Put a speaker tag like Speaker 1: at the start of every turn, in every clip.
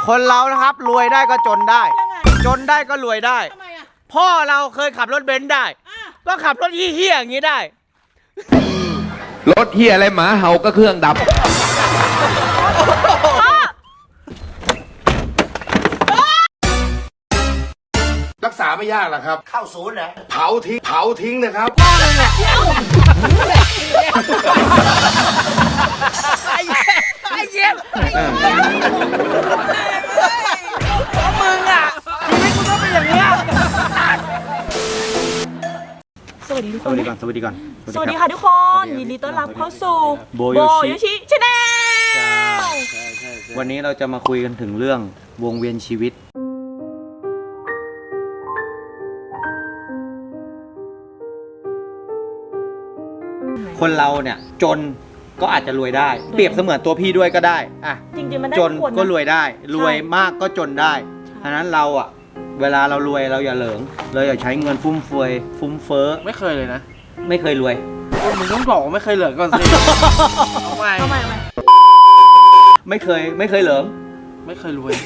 Speaker 1: คนเรานะครับรวยได้ก็จนได้จนได้ก็รวยได้พ่อเราเคยขับรถเบนซ์ได้ก็ขับรถเหี้ยๆอย่างนี้ได้
Speaker 2: รถเหี้ยอะไรหมาเห่าก็เครื่องดับ
Speaker 3: รักษาไม่ยากหรอกครับเข้าศูนย์นะเผาทิ้งนะครับ
Speaker 1: ไอ้เย็บมึงอ่ะชีวิตมึงก็เป็นอย่างเนี้ย
Speaker 4: สวัสดีทุกคน
Speaker 1: สวัสดีก่อนสวัสดี
Speaker 4: ค่ะทุกคนยินดีต้อนรับเข้าสู่โบโยชิชาแนล
Speaker 1: วันนี้เราจะมาคุยกันถึงเรื่องวงเวียนชีวิตคนเราเนี่ยจนก็อาจจะรวยได้เปรียบเสมือนตัวพี่ด้วยก็ได้อะ
Speaker 4: จริงๆมันได้
Speaker 1: จนก็รวยได้รวยมากก็จนได้ฉะนั้นเราอะเวลาเรารวยเราอย่าเหลิงเราอย่าใช้เงินฟุ่มเฟือยฟุ่มเฟ้อ
Speaker 5: ไม่เคยเลยนะ
Speaker 1: ไม่เคยรวย
Speaker 5: มึงต้องบอกว่าไม่เคยเหลิงก่อนสิทำไม
Speaker 1: ไม่เคยเหลิง
Speaker 5: ไม่เคยรวย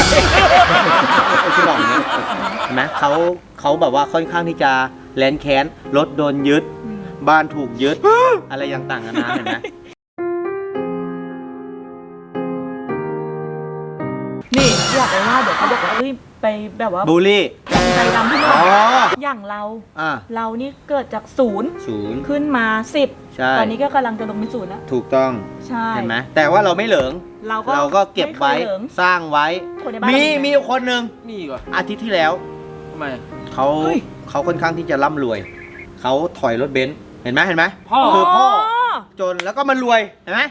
Speaker 1: คือบอกอย่างนี้เห็นไหมเขาแบบว่าค่อนข้างที่จะแค้นแค้นรถโดนยึดบ้านถูกยึดอะไรต่างๆกันานะเห็นไหม
Speaker 4: นี่อยากไปว่าเดี๋ยวเขาบอกว่าไปแบบว่า
Speaker 1: บูลลี่
Speaker 4: ใจดำที่เราอย่างเรานี่เกิดจากศูนย์ขึ้นมา10ตอนนี้ก็กำลังจะลงเป็นศูนย์แล้ว
Speaker 1: ถูกต้อง
Speaker 4: ใช่
Speaker 1: เห็นไหมแต่ว่าเราไม่เหลิงเราก็เก็บไว้สร้างไว้มีคนหนึ่ง
Speaker 5: มีก่อน
Speaker 1: อาทิตย์ที่แล้ว
Speaker 5: ทำไม
Speaker 1: เขาค่อนข้างที่จะร่ำรวยเขาถอยรถเบนซ์เห็นไหมคือพ่อจนแล้วก็มันรวยเห็นไหม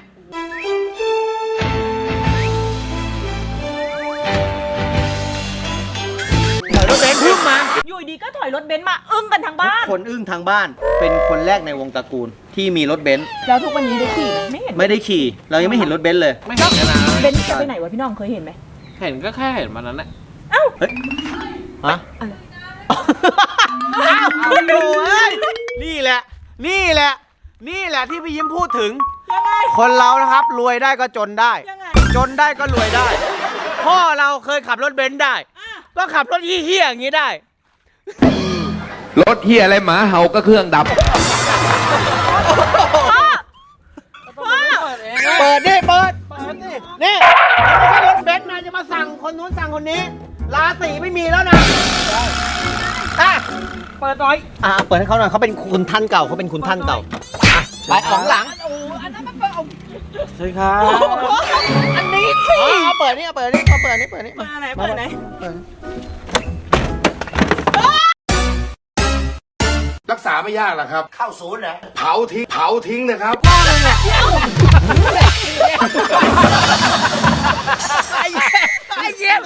Speaker 1: ถอยรถเบนซ์พึ่งมา
Speaker 4: อยู่ดีก็ถอยรถเบนซ์มาอึ้งกันทั้งบ้าน
Speaker 1: คนอึ้งทางบ้านเป็นคนแรกในวงตระกูลที่มีรถเบนซ์
Speaker 4: แล้วทุกวันนี้ได้ขี่ไหม
Speaker 1: ไม่ได้ขี่เรายังไม่เห็นรถเบนซ์เลย
Speaker 5: ไม่เห็นนะ
Speaker 4: เบนซ์จะไปไหนวะพี่น้องเคยเห็นไหม
Speaker 5: เห็นก็แค่เห็นมันนั้นแหละ
Speaker 4: เอ้า
Speaker 1: ฮะอ้าวโอ้ยนี่แหละที่พี่ยิ้มพูดถึงคนเรานะครับรวยได้ก็จนได้จนได้ก็รวยได้พ่อเราเคยขับรถเบนซ์ได้ก็ขับรถเหี้ยๆอย่างนี้ได้
Speaker 2: รถเหี้ยอะไรหมาเห่าก็เครื่องดับ
Speaker 1: เปิดนี่เปิดนี่ไม่ใช่รถเบนซ์นะจะมาสั่งคนนู้นสั่งคนนี้ราศีไม่มีแล้วนะ
Speaker 5: เปิดหน่อย
Speaker 1: เปิดให้เขาหน่อยเขาเป็นคุณท่านเก่าไปของหลัง
Speaker 5: ใช่ครับ
Speaker 4: อันนี้สิ
Speaker 1: เปิดนี่มาไหนเปิดไหน
Speaker 3: รักษาไม่ยากหรอกครับเข้าศูนย์นะเผาทิ้งนะครับ
Speaker 1: ไอ้เย็บ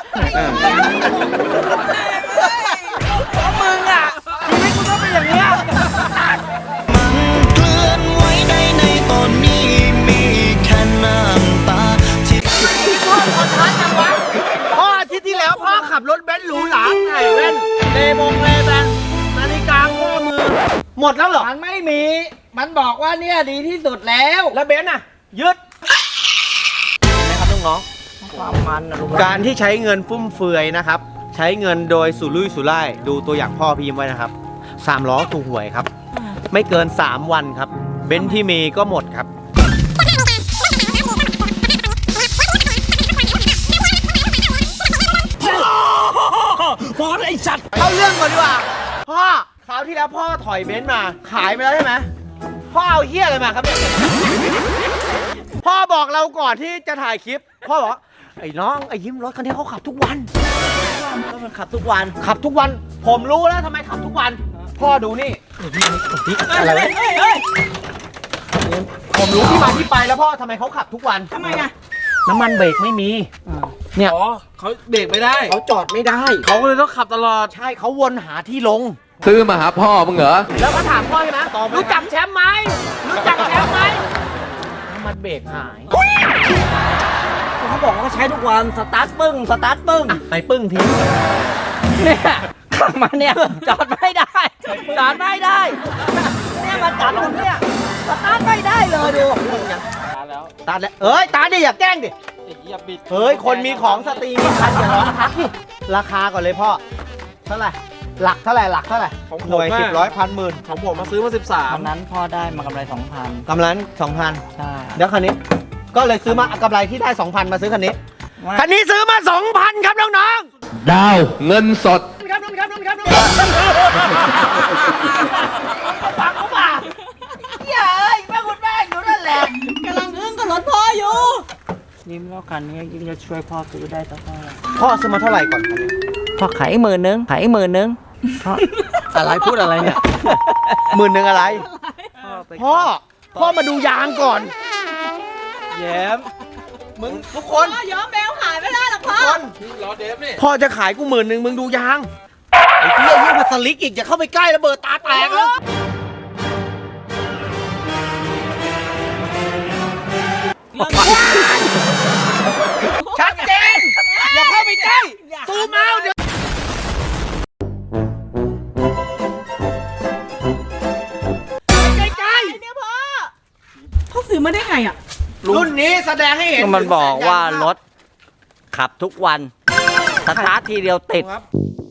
Speaker 1: มึงอ่ะชีวิตมึงก็เป็นอย่างเนี้ย
Speaker 6: เคลื่อนไหวในตอนนี้มีแค่น้ำตาที่
Speaker 1: พ่อขอท้าจังวะพ่ออาทิตย์ที่แล้วพ่อขับรถเบนซ์หรูหราใส่แว่นเลแบนนาฬิกาข้อมือหมดแล้วเหรอ
Speaker 5: มันไม่มีมันบอกว่าเนี่ยดีที่สุดแล้ว
Speaker 1: เบนซ์อ่ะยึดนะครับน้อง
Speaker 5: ความมันนะ
Speaker 1: การที่ใช้เงินฟุ่มเฟือยนะครับใช้เงินโดยสุรุ่ยสุร่ายดูตัวอย่างพ่อพี่ยิ้มไว้นะครับ3 ล้อถูกหวยครับไม่เกิน3 วันครับเบนซ์ที่มีก็หมดครับ
Speaker 5: พอไอ้สัตว์
Speaker 1: เข้าเรื่องก่อนดีกว่าพ่อคราวที่แล้วพ่อถอยเบนซ์มาขายไปแล้วใช่ไหมพ่อเอาเหี้ยอะไรมาครับเนี่ยพ่อบอกเราก่อนที่จะถ่ายคลิปพ่อบอกไอ้น้องไอ้ยิ้มรถคันนี้เขาขับทุกวันมันขับทุกวันผมรู้แล้วทำไมขับทุกวันพ่อดูนี่อะไรวะผมรู้ที่มาที่ไปแล้วพ่อทำไมเขาขับทุกวัน
Speaker 4: ทำไมอะ
Speaker 1: น้ำมันเบรกไม่มีเนี่ย
Speaker 5: เขาเบรกไม่ได้
Speaker 1: เขาจอดไม่ได้
Speaker 5: เขาเลยต้องขับตลอด
Speaker 1: ใช่เขาวนหาที่ลง
Speaker 2: ซื้อมาหาพ่อมึงเหรอ
Speaker 1: แล้วก็ถามพ่อใช่ไหมรู้จักแชมป์ไหมน้ำมันเบรกหาย
Speaker 5: เขาบอกว่าใช้ทุกวันสตาร์ทปึ้ง
Speaker 1: ไปปึ้งทิ้ง
Speaker 5: เนี่ยขับมาเนี่ยจอดไม่ได้
Speaker 4: เนี่ยมาจับผมเนี่ยสตาร์ทไม่ได้เลยดู
Speaker 1: ตาแล้วตาดิอย่าแกล้งดิเฮ้ย คนมีของสตรีมีคันอย่าร้องทักดิราคาก่อนเลยพ่อ เท่าไหร่ หลักเท่าไหร่ หลักเท่าไหร่
Speaker 5: ของผม
Speaker 1: หน่วย
Speaker 5: อะ
Speaker 1: 10 ร้อยพันหมื่น
Speaker 5: ของผมมาซื้อมา
Speaker 7: ตอนนั้นพ่อได้มากำไร 2,000
Speaker 1: กำไร2,000
Speaker 7: ใช่
Speaker 1: เดี๋ยวคันนี้ ก็เลยซื้อมากำไรที่ได้ 2,000 มาซื้อคันนี้
Speaker 7: ว่า
Speaker 1: คันนี้ซื้อมา 2,000 ครับน้อง
Speaker 2: ดาว เงินสด
Speaker 1: ๆครับฟังเขาป่ะเย้ยแม่คุณแม่อยู่นั่นแหละ
Speaker 4: กำลังอึ้งกับรถพ่ออยู่
Speaker 7: ยิ้มแล้วคันนี้ยิ้มจะช่วยพ่อซื้อได้สักเท่าไหร่
Speaker 1: พ่อซื้อมาเท่าไหร่ก่อนคันนี้
Speaker 7: พ่อขายอีก10,000ขายอีก10,000พ่อ
Speaker 1: อะไรพูดอะไรเนี่ย10,000อะไร พ่อมาดูยางก่อน แย้มมึงทุกคน
Speaker 4: พ่อย้อมแมวขายไม่ได้หรอกพ่อ
Speaker 5: ล้อเดฟนี่
Speaker 1: พ่อจะขายกู10,000มึงดูยาง ไอ้เหี้ยยิ่งมาสลิกอีกอย่าเข้าไปใกล้ระเบิดตาแตกแล้วชัดเจน อย่าเข้าไปใกล้ซูมเอาเดี๋ยวใกล้
Speaker 4: เนี่ยพ่อซื้อมาได้ไงอ่ะ
Speaker 1: ๆรุ่นนี้แสดงให้เห็น
Speaker 7: ก็มันบอกว่า
Speaker 1: ถึงสัญญณ
Speaker 7: รถขับทุกวัน สตาร์ททีเดียวติด
Speaker 1: ครับ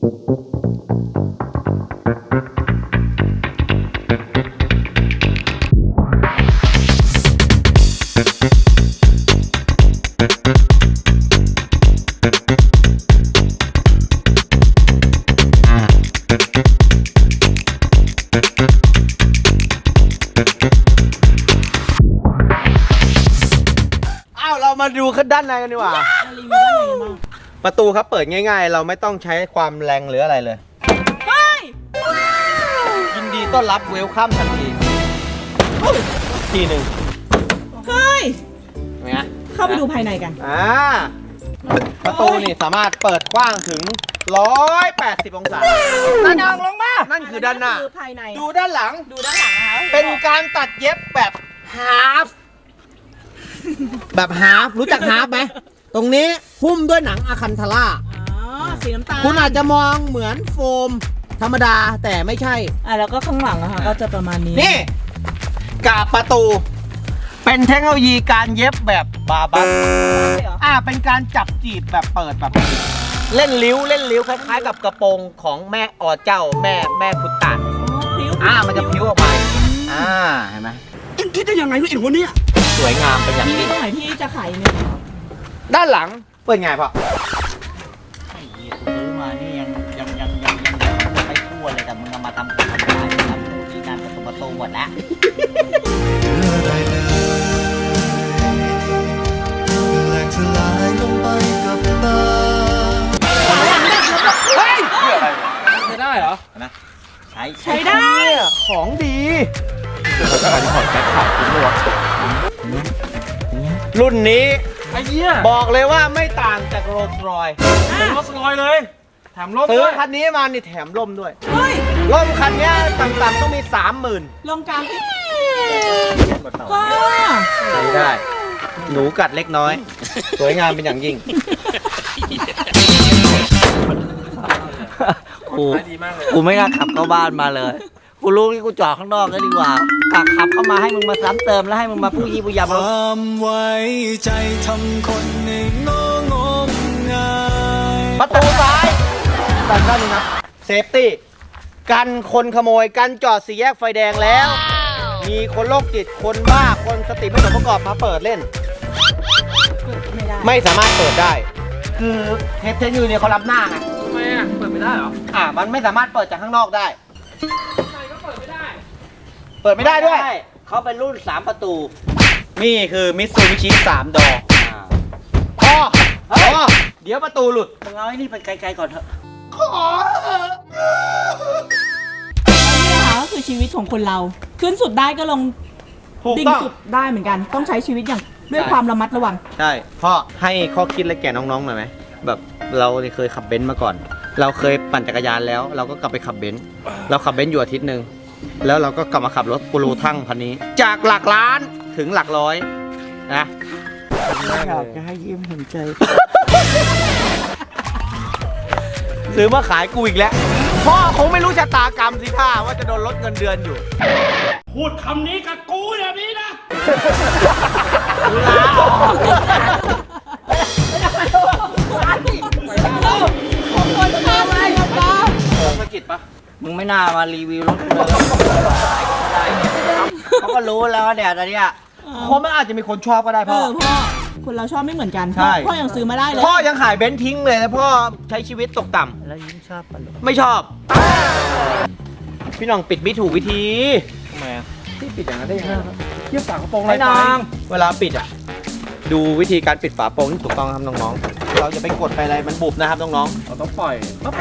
Speaker 1: อ้าวเรามาดูขึ้นด้านในกันดีกว่า
Speaker 4: รีวิวด้านในกันบ้าง
Speaker 1: ประตูครับเปิดง่ายๆ เราไม่ต้องใช้ความแรงหรืออะไรเลย
Speaker 4: เฮ้ย
Speaker 1: ยินดีต้อนรับเวลคัมทันทีทีหนึ่ง
Speaker 4: เฮ้ย
Speaker 1: เห็นไหมฮะ
Speaker 4: เข้าไปดูภายในกัน
Speaker 1: ประตูนี่สามารถเปิดกว้างถึง 180 องศาด้านหน้าลงมา นั่นคือด้านหน้า
Speaker 4: คือภายใน
Speaker 1: ดูด้านหลัง
Speaker 4: ดูด้านหลังนะคะ
Speaker 1: เป็นการตัดเย็บแบบฮาฟแบบฮาฟรู้จักฮาฟไหม ตรงนี้หุ้มด้วยหนังอะคันทาร่า
Speaker 4: อ๋อ สีน้ำตาล
Speaker 1: คุณอาจจะมองเหมือนโฟมธรรมดาแต่ไม่ใช่
Speaker 4: แล้วก็ข้างหลังนะคะก็จะประมาณนี้
Speaker 1: นี่กาบประตู เป็นเทคโนโลยีการเย็บแบบบาบัสเป็นการจับจีบแบบเปิดแบบเล่นลิ้วคล้ายๆกับกระโปรงของแม่อเจ้าแม่พุตตาน
Speaker 4: ผิว
Speaker 1: มันจะพิ้วออกไปเห็นไหมคิดได้ยังไงวะไอ้หัวเนี่ยสวยงามเป็นอย่าง
Speaker 4: มี
Speaker 1: ยิ่ง
Speaker 4: ตรงไหนที่จะขายเนี่ย
Speaker 1: ด้านหลังเปิดไงพ่อ
Speaker 7: ไอ้เหี้ยกูซื้อมานี่ยังไม่ทั่วเลยแต่มึงเอามาทำร้ายทำที่การประตูหมดแล้ว
Speaker 6: แหลกสลายลงไปกับตา
Speaker 1: เฮ้ย
Speaker 5: ใช้ได้เหรอ
Speaker 4: ใช้ได้
Speaker 1: เนี่ยของดีรุ่นนี้
Speaker 5: ไอ้เหี้ย
Speaker 1: บอกเลยว่าไม่ต่างจากโรลส์รอยซ์
Speaker 5: เป็นรถสลอยเลย แถมรถ
Speaker 1: ซื้
Speaker 5: ด้
Speaker 1: อ
Speaker 5: วย
Speaker 1: คันนี้มานี่แถมร่มด้วย
Speaker 4: เฮ้ย
Speaker 1: ร่มคันนี้ต่ำๆต้องมี 30,000
Speaker 4: ลงกลางที่พ่อ
Speaker 1: ใช้ได้ หนูกัดเล็กน้อย สวยงามเป็นอย่างยิ่ง
Speaker 7: กูไม่น่าขับเข้าบ้านมาเลย กูรู้ที่กูจอดข้างนอกก็ดีกว่าขับเข้ามาให้มึงมาซ้ำเติมแล้วให้มึงมาผู้ยี่ผู้ยำ
Speaker 6: ความไว้ใจทำคนให้งงงาย
Speaker 1: ประตูซ้ายด้านนี้นะเซฟตี้กันคนขโมยกันจอดสี่แยกไฟแดงแล้ว มีคนโรคจิตคนบ้าคนสติไม่สมประกอบมาเปิดเล่น
Speaker 4: ไม่ได้
Speaker 1: ไม่สามารถเปิดได้ คือเทปเทนยูเนี่ยเขารับหน้าไง
Speaker 5: ทำไมอ่ะ เปิดไม่ได้เหรอ
Speaker 1: มันไม่สามารถเปิดจากข้างนอกได้ เปิดไม่ได้ด้วย
Speaker 7: เขาเป็นรุ่น3ประตู
Speaker 1: นี่คือมิตซูบิชิ3 ดอเดี๋ยวประตูหลุด
Speaker 7: มึงเอาไอ้นี่ไปไกลๆก่อนเถอะ
Speaker 4: นี่ค่ะก็คือชีวิตของคนเรา ขึ้นสุดได้ก็ลง
Speaker 1: ถูก
Speaker 4: ดิ่ง
Speaker 1: ต้อง
Speaker 4: สุดได้เหมือนกัน ต้องใช้ชีวิตอย่างด้วยความระมัดระวัง
Speaker 1: ใช่ พ่อให้ข้อคิดอะไรแก่น้องๆหน่อยไหม แบบเราเคยขับเบนซ์มาก่อน เราเคยปั่นจักรยานแล้ว เราก็กลับไปขับเบนซ์เราขับเบนซ์อยู่อาทิตย์หนึ่งแล้วเราก็กลับมาขับรถกูรูทั้งคันนี้ จากหลักล้านถึงหลักร้อยนะ
Speaker 7: อยากจะให้ยิ้มเห็นใจ
Speaker 1: ซื้อมาขายกูอีกแล้ว พ่อคงไม่รู้ชะตากรรมสิท่าว่าจะโดนลดเงินเดือนอยู่
Speaker 5: พูดคำนี้กับกูอย่างนี้นะ
Speaker 1: ลาออก
Speaker 5: งไม่น่ามารีวิวรถเลยเขาก็รู้แล้วเนี่ยตอนเนี้ย
Speaker 1: เพราะมันอาจจะมีคนชอบก็ได้
Speaker 4: เอ
Speaker 1: พ่อ
Speaker 4: อพ่อคนเราชอบไม่เหมือนกัน
Speaker 1: ใช่
Speaker 4: พ่อยังซื้อมาได้เลย
Speaker 1: พ่อยังขายเบนซ์ทิ้งเลยแล้วพ่อใช้ชีวิตตกต่ำ
Speaker 5: แล้วยิ้มชอบปะลูก
Speaker 1: ไม่ชอบ พี่น้องปิดไม่ถูกวิธี
Speaker 5: ทำไมอ่ะ
Speaker 1: พี่ปิดอย่างนั้นได้ยังไงเยี่ยฝากระโปรง
Speaker 5: ไอ้น้อง
Speaker 1: เวลาปิดอ่ะ ดูวิธีการปิดฝาโปรงที่ถูกต้องครับน้องๆ เราจะไปกดไปอะไรมันบุบนะครับน้องๆ เราต้องปล่อยปั๊บ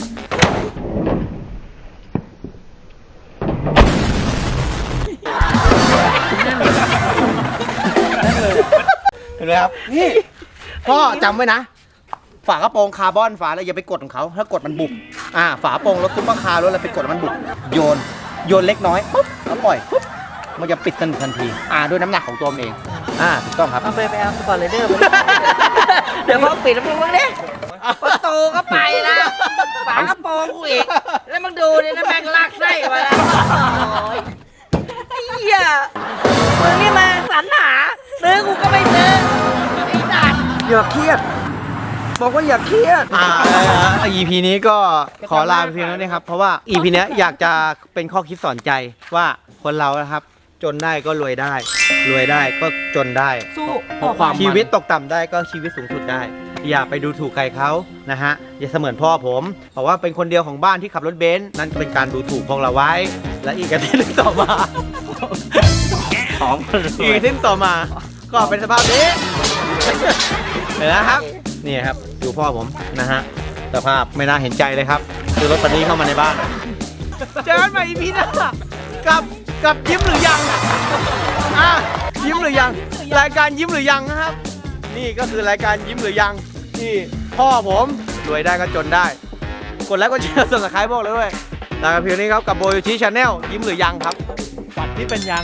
Speaker 1: เห็นไหมครับ นี่พ่อจำไว้นะ ฝากระโปรงคาร์บอนฝาอะไรอย่าไปกดของเขาถ้ากดมันบุบฝาโปรงรถซุปเปอร์คาร์รถอะไรไปกดมันบุบโยนเล็กน้อยปุ๊บแล้วปล่อยปุ๊บมันจะปิดสนิททันทีด้วยน้ำหนักของตัวมันเองถูกต้องครับ
Speaker 5: เอาไปเอาสปอร์ตไรเดอร์เดี๋ยวพอปิดแล้วมึงดิประตูก็ไปแล้วฝากระโปรงกูอีกแล้วมึงดูนี่นะแม่งลากไส้มาแล้วไอ้เหี้ยมึงนี่มาสรรหาซื้อกูก็ไม่ซื้อไอ้สัตว์
Speaker 1: อย่าเครียด บอกว่าอย่าเครียดEP นี้ก็ขอลาไปเพียงเท่านี้ครับ เพราะว่า EP เนี้ยอยากจะเป็นข้อคิดสอนใจว่าคนเรานะครับ จนได้ก็รวยได้ รวยได้ก็จนได้
Speaker 4: สู้
Speaker 1: เพราะความชีวิตตกต่ำได้ก็ชีวิตสูงสุดได้ อย่าไปดูถูกใครเขานะฮะ อย่าเสมือนพ่อผมบอกว่าเป็นคนเดียวของบ้านที่ขับรถเบนซ์นั่นก็เป็นการดูถูกพวกเราไว้ และอีกอาทิตย์หนึ่งต่อมา
Speaker 5: ของ
Speaker 1: อีกอาทิตย์ต่อมา ก็เป็นสภาพนี้ เห็นไหมครับ นี่ครับดูพ่อผมนะฮะสภาพไม่น่าเห็นใจเลยครับคือรถคันนี้เข้ามาในบ้านเจอกันใหม่ EP หน้ากับยิ้มหรือยังยิ้มหรือยังรายการยิ้มหรือยังนะครับ นี่ก็คือรายการยิ้มหรือยังที่พ่อผมรวยได้ก็จนได้กดไลค์กดแชร์subscribeบอกเลยเว้ยลากันเพียงนี้ครับกับโบโยชิชาแนลยิ้มหรือยังครับฝันที่เป็นยัง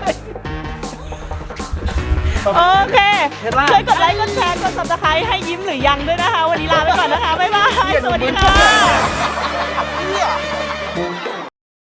Speaker 4: โอเคช่วยกดไลค์กดแชร์กด subscribe ให้ยิ้มหรือยังด้วยนะคะ วันนี้ลาไปก่อนนะคะ บ๊ายบาย สวัสดีค่ะ